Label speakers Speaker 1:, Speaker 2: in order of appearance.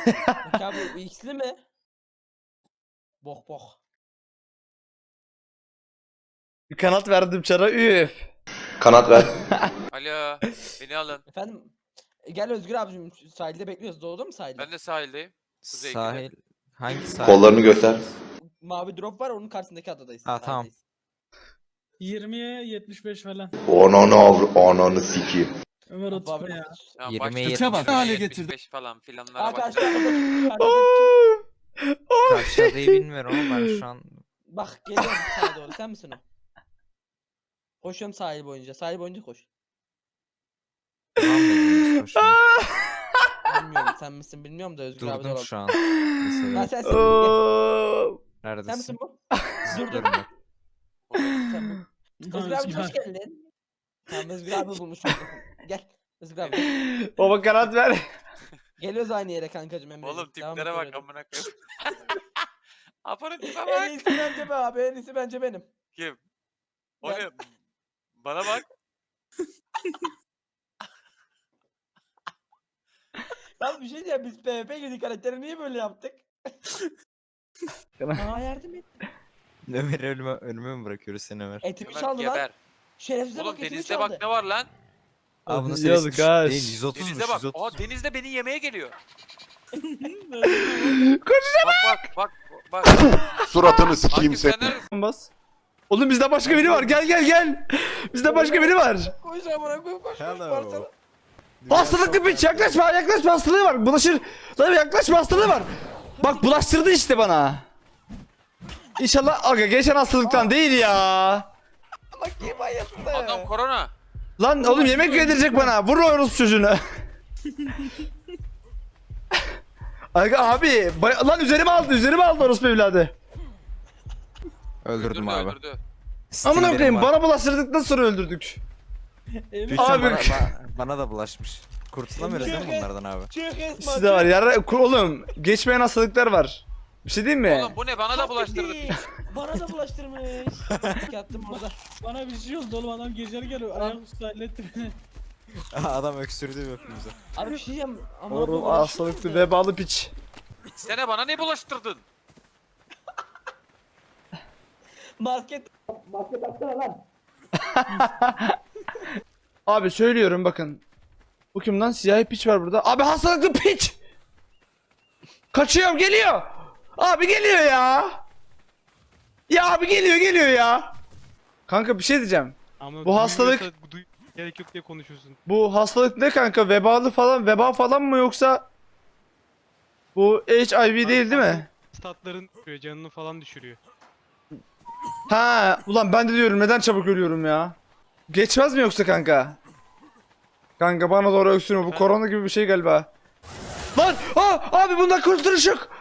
Speaker 1: Peki abi bu X'li mi? Bok bok.
Speaker 2: Bir kanat verdim çara. Üf.
Speaker 3: Kanat ver.
Speaker 4: Alo, beni alın.
Speaker 1: Efendim gel Özgür abicim sahilde bekliyoruz. Doğdu mu sahilde?
Speaker 4: Ben de sahildeyim. Kuzey
Speaker 5: Sahil. Hangi sahil?
Speaker 3: Kollarını göster.
Speaker 1: Mavi drop var onun karşısındaki adadayız.
Speaker 5: Ha, tamam.
Speaker 1: sahildeyiz.
Speaker 6: 20'ye 75 falan.
Speaker 3: Ananı sikeyim.
Speaker 6: Ömer
Speaker 1: Abi,
Speaker 6: otur ya.
Speaker 4: Tamam,
Speaker 5: 20'ye
Speaker 4: başladı.
Speaker 5: 75
Speaker 4: Başladı.
Speaker 7: hale
Speaker 4: 75 falan filanlara
Speaker 1: Aa
Speaker 4: bak.
Speaker 1: karşıdaki
Speaker 5: Karşı adayı bilmiyorum ama ben şu an
Speaker 1: Bak geliyorum sağa doğru sen misin o? Koşuyorum sahil boyunca. Sahil boyunca koş.
Speaker 5: tamam mı koşuyorum.
Speaker 1: Bilmiyorum sen misin bilmiyorum da Özgür abi de
Speaker 5: Durdum
Speaker 1: olabilir.
Speaker 5: şu an.
Speaker 1: Ben
Speaker 5: Mesela.
Speaker 1: sensin. Gel.
Speaker 2: Oo.
Speaker 1: Sen
Speaker 5: Neredesin?
Speaker 1: misin bu?
Speaker 5: Zıplıyorum ben.
Speaker 1: Sen bu. Özgür abi hoş geldin. Tamam Özgür abi bulmuş oldum. Gel. Özgür abi.
Speaker 2: Baba kanat ver.
Speaker 1: Geliyoruz aynı yere kankacım Emre.
Speaker 4: Oğlum tiplere bak amına koyayım. Apanın tipe
Speaker 1: En
Speaker 4: bak.
Speaker 1: iyisi bence be abi. En iyisi bence benim.
Speaker 4: Kim? O
Speaker 1: Ben.
Speaker 4: ne? Bana bak.
Speaker 1: Ya bir şey diyeceğim biz PvP girdik karakteri niye böyle yaptık? Aa yardım et.
Speaker 5: Ömer'i önüme mi bırakıyoruz seni Ömer?
Speaker 1: Etimi
Speaker 4: Ömer
Speaker 1: çaldı lan.
Speaker 4: geber.
Speaker 1: Şerefsize
Speaker 4: Oğlum
Speaker 1: bak etimi
Speaker 4: denizde
Speaker 1: çaldı.
Speaker 4: bak ne var lan?
Speaker 5: Abi nasıl
Speaker 2: Yazık
Speaker 5: düşük
Speaker 2: ha.
Speaker 5: değil 130
Speaker 4: Denizde bak. Aa denizde beni yemeye geliyor. Bak.
Speaker 3: Suratını sikeyim
Speaker 4: Akif
Speaker 3: seni.
Speaker 4: sen neredesin?
Speaker 2: Bas. Oğlum bizde başka biri var. Gel. Bizde başka biri var.
Speaker 1: Koş amına koyayım koş.
Speaker 5: Hello.
Speaker 2: Hastalıklı piç yaklaşma hastalığı var. Bulaşır. Lan yaklaşma hastalığı var. Bak bulaştırdı işte bana. İnşallah aga geçen hastalıktan değil ya.
Speaker 1: Bak kim bayıldı.
Speaker 4: Adam korona.
Speaker 2: Lan oğlum yemek yedirecek bana. Vur orospu çocuğunu. Aga abi lan üzerime aldı orospu evladı.
Speaker 5: Öldürdüm abi.
Speaker 4: Öldürdü.
Speaker 2: Amına
Speaker 5: Steam'lerim
Speaker 2: koyayım
Speaker 5: var.
Speaker 2: bana bulaştırdıktan sonra öldürdük.
Speaker 6: Emre
Speaker 5: Lütfen
Speaker 2: Abi-
Speaker 5: bana da bulaşmış. Kurtulamıyoruz değil mi bunlardan abi?
Speaker 1: Çık Esma.
Speaker 2: Sizde var ya oğlum geçmeyen hastalıklar var. Bir şey diyeyim mi?
Speaker 4: Oğlum bu ne? Bana da bulaştırdı.
Speaker 1: Bana da bulaştırmış. Yattım burada.
Speaker 6: bana bir şey oldu oğlum adam geceleri geliyor. Ayaküstü halletti beni.
Speaker 5: Adam öksürdü hepimize.
Speaker 1: Abi bir şey diyeceğim. Ama
Speaker 2: Oğlum hastalıklı vebalı piç.
Speaker 4: Sene bana ne bulaştırdın?
Speaker 1: Maske taksana lan.
Speaker 2: Abi söylüyorum bakın. Bu kim lan? Siyahi piç var burada. Abi hastalıklı piç! Kaçıyorum geliyor. Abi geliyor ya. Ya abi geliyor ya. Kanka bir şey diyeceğim.
Speaker 7: Ama
Speaker 2: Bu hastalık-
Speaker 7: gerek yok diye konuşuyorsun.
Speaker 2: Bu hastalık ne kanka? Veba falan mı yoksa bu HIV değil mi?
Speaker 7: Statların canını falan düşürüyor.
Speaker 2: Ha, ulan ben de diyorum neden çabuk ölüyorum ya? Geçmez mi yoksa kanka? Kanka bana doğru öksürme bu korona gibi bir şey galiba. Lan! Abi bundan kurtuluş yok.